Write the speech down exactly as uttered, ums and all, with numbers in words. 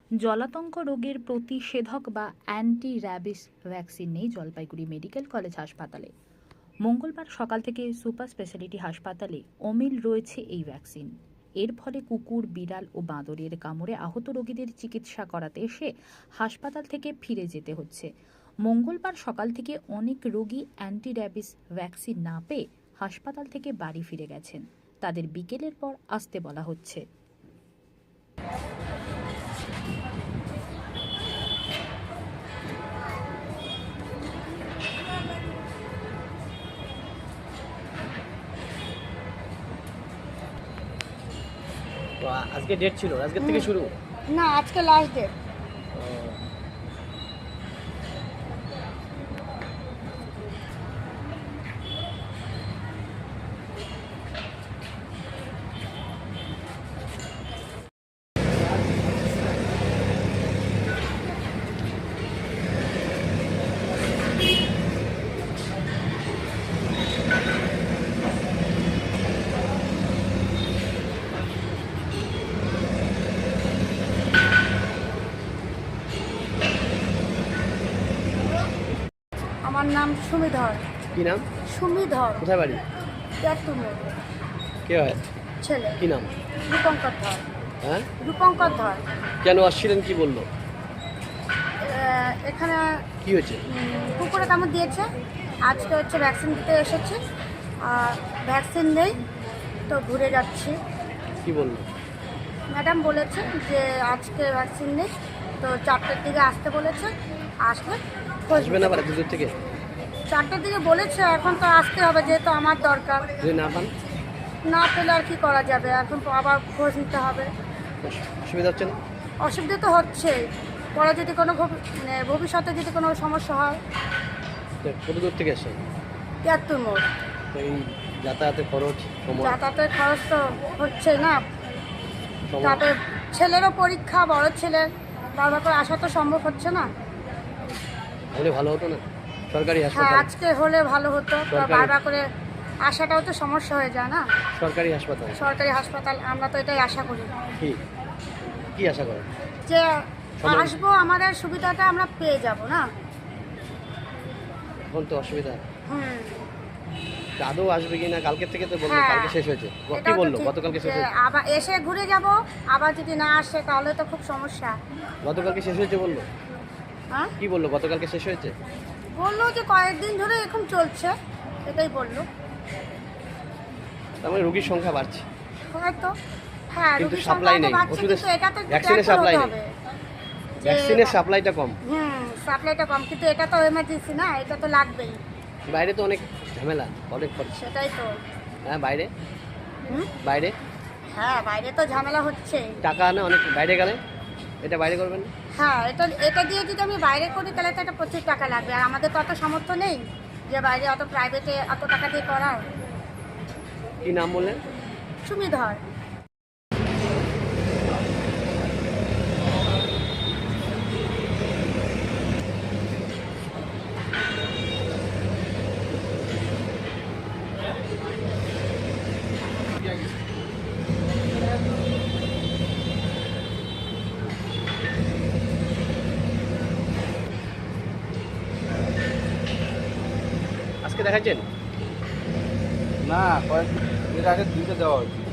জলাতঙ্ক রোগের প্রতিষেধক বা অ্যান্টি র্যাবিস ভ্যাকসিন নেই জলপাইগুড়ি মেডিকেল কলেজ হাসপাতালে। মঙ্গলবার সকাল থেকে সুপার স্পেশালিটি হাসপাতালে অমিল রয়েছে এই ভ্যাকসিন। এর ফলে কুকুর, বিড়াল ও বাঁদরের কামড়ে আহত রোগীদের চিকিৎসা করাতে এসে হাসপাতাল থেকে ফিরে যেতে হচ্ছে। মঙ্গলবার সকাল থেকে অনেক রোগী অ্যান্টি র্যাবিস ভ্যাকসিন না পেয়ে হাসপাতাল থেকে বাড়ি ফিরে গেছেন। তাদের বিকেলের পর আসতে বলা হচ্ছে। তো আজকে ডেট ছিল, আজকের থেকে শুরু? না, আজকে লাস্ট ডেট। আমার নাম সুমিধর। কি নাম? সুমিধর। কোথায় বাড়ি? তেঁতুল। কে হয়? ছেলে। কি নাম? রূপঙ্কর ধর। হ্যাঁ, রূপঙ্কর ধর। কেন আসছিলেন, কি বললো? আহ, এখানে কি হয়েছে? উম, কুকুরে কামড় দিয়েছে। আজকে হচ্ছে ভ্যাকসিন দিতে এসেছি, আর ভ্যাকসিন নেই তো ঘুরে যাচ্ছি। কি বললো? ম্যাডাম বলেছে যে আজকে ভ্যাকসিন নেই, তো চারটের দিকে আসতে বলেছে। আসলে আসবে না আবার এত দূর থেকে? চারটের দিকে বলেছে, এখন তো আসতে হবে যেহেতু আমার দরকার। যদি না পান? না পেলে আর কি করা যাবে, এখন তো আবার খোঁজ নিতে হবে। অসুবিধা হচ্ছে না? অসুবিধা তো হচ্ছে, পরে যদি কোনো ভবি- মানে ভবিষ্যতে যদি কোনো সমস্যা হয়। তো কত দূর থেকে আসছেন? তিয়াত্তর মোড়। তো এই যাতায়াতের খরচ, সময়, যাতায়াতের খরচ তো হচ্ছে না, সময় তারপরে ছেলেরও পরীক্ষা, বড় ছেলের, তারপর করে আসা তো সম্ভব হচ্ছে না। হলে ভালো হতো না? সরকারি হ্যাঁ, হাসপাতাল। আজকে হলে ভালো হতো, সরকারি- বারবার করে আসাটাও তো সমস্যা হয়ে যায় না। সরকারি হাসপাতাল। সরকারি হাসপাতাল, আমরা তো এটাই আশা করি কি কি আশা করেন? যে সময়- আসবো, আমাদের সুবিধাটা আমরা পেয়ে যাব না। এখন তো অসুবিধা। হুম। আদৌ আসবে কি না? কালকের থেকে তো বললো, হ্যাঁ, কালকে শেষ হয়েছে। কি এটাও তো বললো? ঠিক গতকালকে শেষ যে হয়েছে। আবার এসে ঘুরে যাব, আবার যদি না আসে তাহলে তো খুব সমস্যা। গতকালকে শেষ হয়েছে বললো। হ্যাঁ, কি বললো? গতকালকে শেষ হয়েছে। বললো যে কয়েকদিন ধরে এরকম চলছে, এটাই বললো। তার মানে রোগীর সংখ্যা বাড়ছে, হয়তো। হ্যাঁ, কিন্তু রোগীর সাপ্লাই সংখ্যা তো নেই। বাড়ছে, ওষুধের, কিন্তু এটা তো একটু ভ্যাকসিনের careful সাপ্লাই হতে নেই। হবে। যে- ভ্যাকসিনের সাপ্লাইটা কম। হুম, সাপ্লাইটা কম, কিন্তু এটা তো এমার্জেন্সি না, এটা তো লাগবেই। বাইরে তো অনেক ঝামেলা, অনেক খরচ। সেটাই তো। হ্যাঁ, বাইরে হুম, বাইরে হ্যাঁ, বাইরে তো ঝামেলা হচ্ছে। টাকা আনে অনেক, বাইরে গেলে এটা বাইরে করবেন না? হ্যাঁ, এটা এটা দিয়ে যদি আমি বাইরে করি তাহলে তো একটা প্রচুর টাকা লাগবে, আর আমাদের তো অত সামর্থ্য নেই যে বাইরে অত প্রাইভেটে অত টাকা দিয়ে করার। কি নাম বললেন? সুমিধর। আজকে দেখাচ্ছেন? না, কয়েক এর আগে দুইটা দেওয়া হয়েছে।